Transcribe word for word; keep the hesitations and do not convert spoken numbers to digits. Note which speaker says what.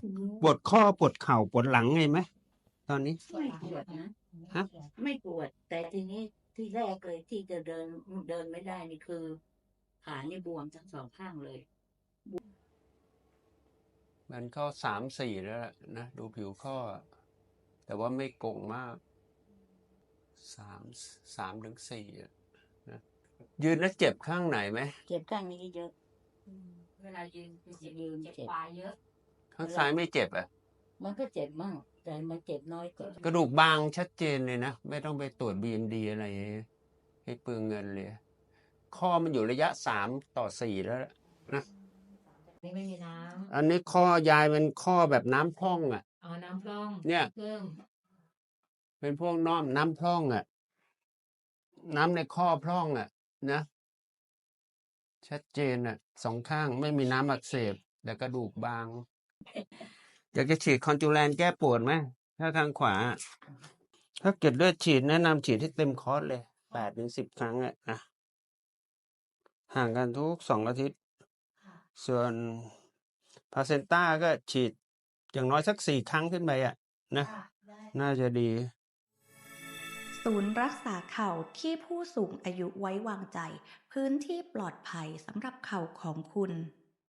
Speaker 1: ปวดข้อปวดเข่าปวดหลังไงไหมตอนนี้
Speaker 2: ไม่ปวดนะ
Speaker 1: ฮะ
Speaker 2: ไม่ปวด แต่ทีนี้ที่แรกเลยที่จะเดินเดินไม่ได้นี่คือขานี่บวมทั้งสองข้างเลย
Speaker 1: มันก็สามสี่แล้วล่ะนะดูผิวข้อ แต่ว่าไม่โก่งมากสามสามถึงสี่นะยืนแล้วเจ็บข้างไหนไหม
Speaker 2: เจ็บข้างนี้เยอะ
Speaker 3: เวลายืนเจ็บ
Speaker 2: ยืน
Speaker 3: เจ็บ
Speaker 2: เจ็บ
Speaker 3: ปลายเยอะ
Speaker 1: ข้างซ้ายไม่เจ็บอ่ะ
Speaker 2: มันก็เจ็บมาก แต่มันเจ็บน้อยกว่าก
Speaker 1: ระดูกบางชัดเจนเลยนะ ไม่ต้องไปตรวจ บี เอ็ม ดี อะไรให้เปลืองเงินเลย ข้อมันอยู่ระยะสามต่อสี่แล้วนะ
Speaker 3: นี่ไม่มีน้
Speaker 1: อันนี้ข้อยายเป็นข้อแบบน้ำพร่องอ่ะ
Speaker 3: ำเอาน้ำพร่อง
Speaker 1: เนี่ย
Speaker 3: เพิ่ม
Speaker 1: เป็นพวกน้อมน้ำพร่องอ่ะ น้ำในข้อพร่องอ่ะ นะ ชัดเจนอ่ะสองข้างไม่มีน้ำอักเสบแต่กระดูกบาง อยากจะฉีดคอนจูแลนแก้ปวดไหมถ้าข้างขวา ถ้าเกิดเลือดฉีดแนะนำฉีดให้เต็มคอร์สเลยแปดถึงสิบครั้งอ่ะนะห่างกันทุกสองอาทิตย์ ส่วนพาเซนต้าก็ฉีดอย่างน้อยสักสี่ครั้งขึ้นไปอ่ะนะน่าจะดี
Speaker 4: ศูนย์รักษาเข่าที่ผู้สูงอายุไว้วางใจ พื้นที่ปลอดภัยสำหรับเข่าของคุณ